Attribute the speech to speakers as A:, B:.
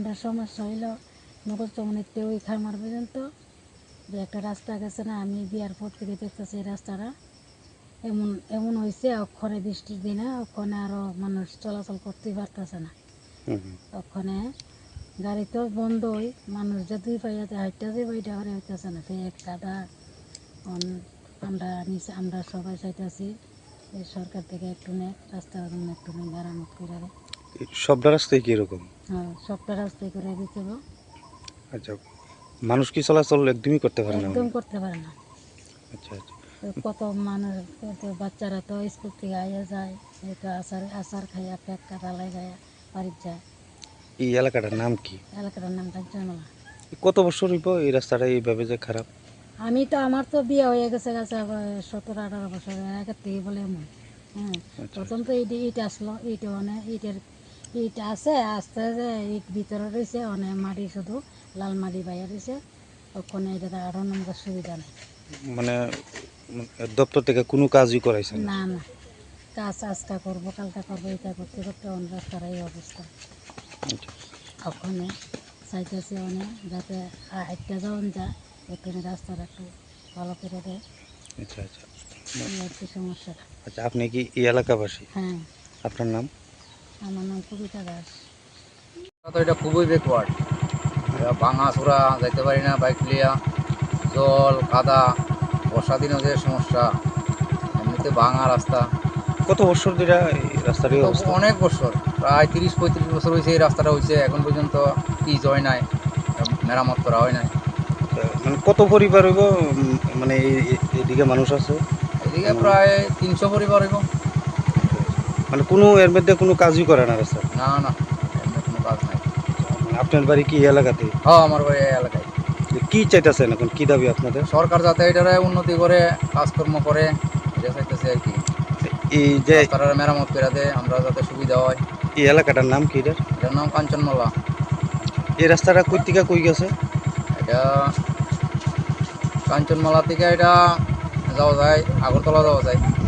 A: আমাদের সমস্যা হইলো মুখস্থমনিতে ওই খামার পর্যন্ত যে একটা রাস্তা গেছে না, আমি বিয়ার পর থেকে দেখতেছি এই রাস্তাটা এমন এমন হয়েছে, ওখানে বৃষ্টির দিনে ওখানে আরও মানুষ চলাচল করতেই পারতেছে না। ওখানে গাড়ি তো বন্ধই, মানুষ যে দুই পাইয়াতে হাইটটা যে বইটা হরে হইতেছে না, এক কাদা। আমরা সবাই চাইতেছি এই সরকার থেকে একটু রাস্তা একটু মেরামত করে দেয়।
B: সবটা রাস্তায় কি এরকম?
A: হ্যাঁ, সবটা রাস্তায় করে দিতে হবে।
B: আচ্ছা, মানুষ কি চলাচল একদমই করতে পারে না?
A: একদম করতে পারে না।
B: আচ্ছা আচ্ছা।
A: কত মানুষ, কত বাচ্চারা তো স্কুল থেকে আইয়া যায়, এটা আচার খাইয়া পেট কাটা লাগাইয়া বাড়ির যায়।
B: এই এলাকাটার নাম কি?
A: এলাকাটার নাম কাঞ্চনমালা।
B: কত বছর হইব এই রাস্তাটা এইভাবে যে খারাপ?
A: আমার তো বিয়ে হয়ে গেছে 17-18 বছরের আগের থেকে বলে এমন। হ্যাঁ, প্রথম তো ইট আসলো, ইট ইট আছে, আস্তে আস্তে ইট ভিতরে রয়েছে, অনেক মাটি শুধু লাল মাটি বাইরে রয়েছে। ওখানে এটা আরও নম্বর সুবিধা নেই।
B: মানে দপ্তর থেকে কোনো কাজই করাইছে না?
A: না না, কাজ আজকা করবো কালকা করবো, এটা করতে করতে অনেক রাস্তার এই অবস্থা। ওখানে চাইতেছি অনেক যাতে হাইটটা যখন যায় ওখানে রাস্তাটা একটু ভালো করে দেয়।
B: আচ্ছা আচ্ছা।
A: এই আর কি সমস্যাটা।
B: আচ্ছা, আপনি কি এই এলাকাবাসী?
A: হ্যাঁ,
B: আপনার নাম?
A: আমার নাম কবিতা দাস।
C: তো এটা খুবই ব্যাকওয়ার্ড, ভাঙা চূড়া, যাইতে পারি না বাইক লিয়া, জল কাদা, বর্ষা দিনেও যে সমস্যা, এমনিতে ভাঙা রাস্তা।
B: কত বছর ধরে এই রাস্তার এই অবস্থা?
C: অনেক বছর, প্রায় 30-35 বছর হয়েছে এই রাস্তাটা হয়েছে, এখন পর্যন্ত পিচ হয় নাই, মেরামত করা হয় নাই।
B: মানে কত পরিবার হইব, মানে এইদিকে মানুষ আছে?
C: এদিকে প্রায় 300 পরিবার হইব।
B: মানে কোনো এর মধ্যে কোনো কাজই করে না রাস্তা?
C: না না, এমনি কোনো কাজ নাই।
B: আপনার বাড়ি কি এই এলাকাতে?
C: হ্যাঁ, আমার বাড়ি এই এলাকায়।
B: কি চাইতেছেন এখন, কি দাবি আপনাদের?
C: সরকার যাতে এটারে উন্নতি করে কাজকর্ম করে এটা চাইতেছে আর কি।
B: এই যে
C: রাস্তাটা মেরামত করে দেয়, আমরা যাতে সুবিধা হয়।
B: এই এলাকাটার নাম কি?
C: এটার নাম কাঞ্চনমালা।
B: এই রাস্তাটা কই থেকে কই গেছে?
C: এটা কাঞ্চনমালা থেকে এটা যাওয়া যায়, আগরতলা যাওয়া যায়।